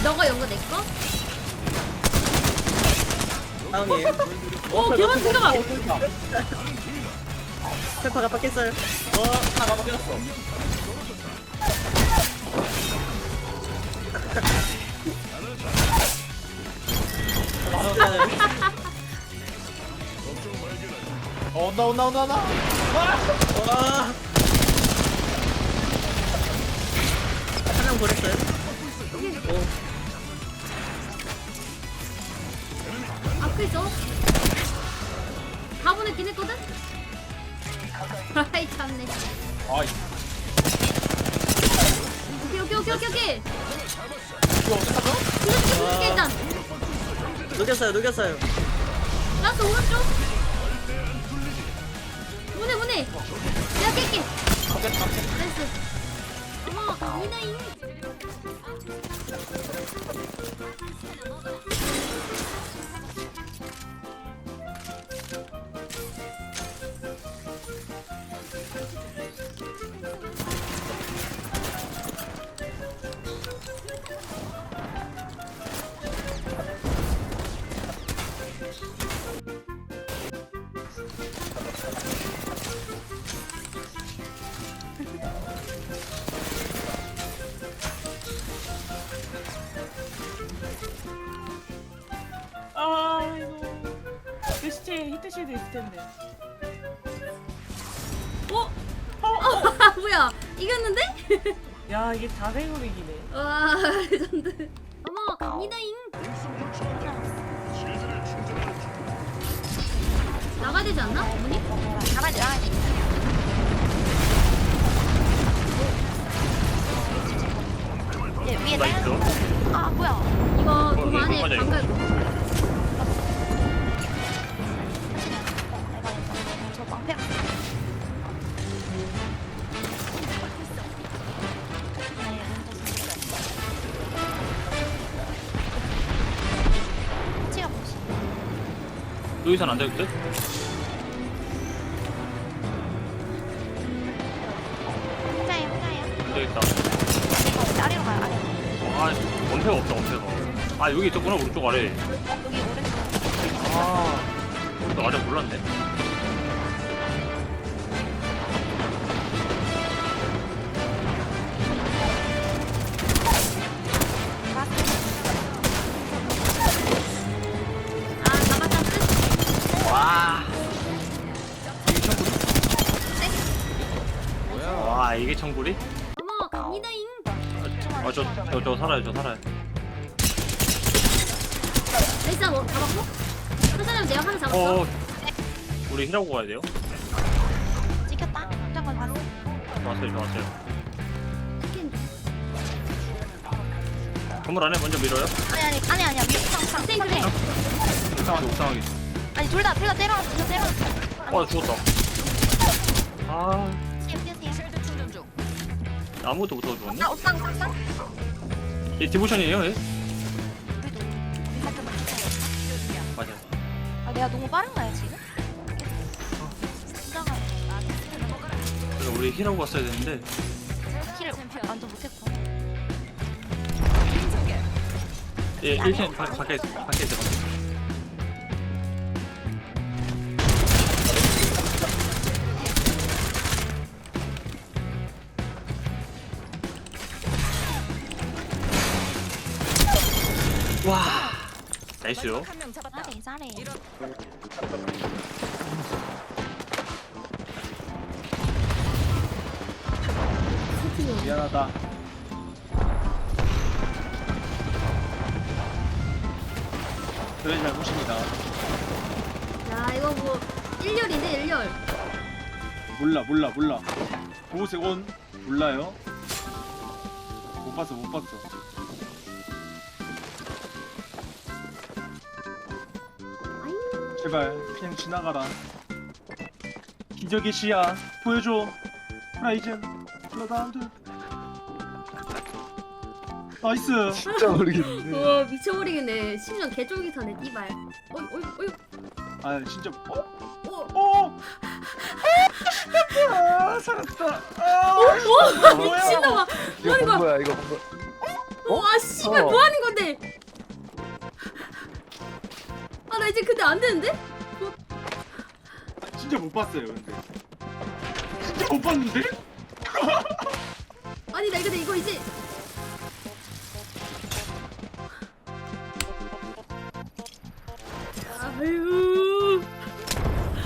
너가 연거 내 거? 다음이에요. 오 개만 생각아. 페퍼가 빡겠어요. 하나 바뀌었어. 온다. 와. 한 명 보냈어요. 오. 앞에 있어. 다 보냈긴 했거든? 아이 참네. 아이, 오케이. 이거 어떡하죠? 이거 일단. 녹였어요. 라스 오른쪽. 보내. 내가 깰게. 나이스. 어머, 이나잉. 아이고 그 시체에 히트실드 있을 텐데. 뭐야? 이겼는데? 야 이게 4대0으로 이기네. 와, 레전드. 어머, 이나잉. 나가야 되지 않나? 어머니? 나가야 돼. 위에 나이스. 아 뭐야? 이거 돈 안에 맞아, 이거. 방갈. 저 방패. 치가 뭐지? 여기선 안 되겠대? 혼자예요. 안 되겠다. 이거 아래로 가요. 아래로. 아, 원패가 없다, 원패가. 아, 여기 있었구나, 오른쪽 아래. 여기 오른쪽. 아, 나 아직 몰랐네. 아, 잡았다. 끝. 와. 와, 이게 청구리? 어머, 이나잉. 아, 저 살아요. 나이스, 뭐 잡았고? 그 사람 내가 하나 잡았어. 우리 힐하고 가야 돼요? 찍혔다. 잠깐 봤어. 좋았어요. 치킨. 건물 안에 먼저 밀어요? 아니야. 상. 그래. 옥상하게. 아니 둘 다 제가 때려놨어. 나 죽었다. 아, 뛰세요. 아무것도 못하고 죽었네? 아 옥상. 얘 디보션이에요, 얘? 우리도 우리 살짝 맞아요. 아 내가 너무 빠른가요 지금? 진짜가 그래서 우리 힐하고 갔어야 되는데. 키를 완전 못했고. 얘 1층 밖에 있어. 와, 나이스요. 잘해. 미안하다. 저희 잘못입니다. 야, 이거 뭐, 1열인데, 1열. 몰라. 보호색 온 몰라요. 못 봤어. 아잉. 제발 그냥 지나가라. 기적의 시야 보여줘. 프라이즌 블러드하운드. 나이스. 진짜 모르겠는데. 우와, 미쳐버리겠네. 심장 개쫄깃하네, 띠발. 어이. 아 진짜 어. 아 살았다. 오, 미친놈아. 이거 본 거야, 이거 본 거. 와, 씨. 씨발 뭐 하는 건데? 아 나 이제 근데 안 되는데? 진짜 못 봤어요 근데. 진짜 못 봤는데? 아니 나 근데 이거 이제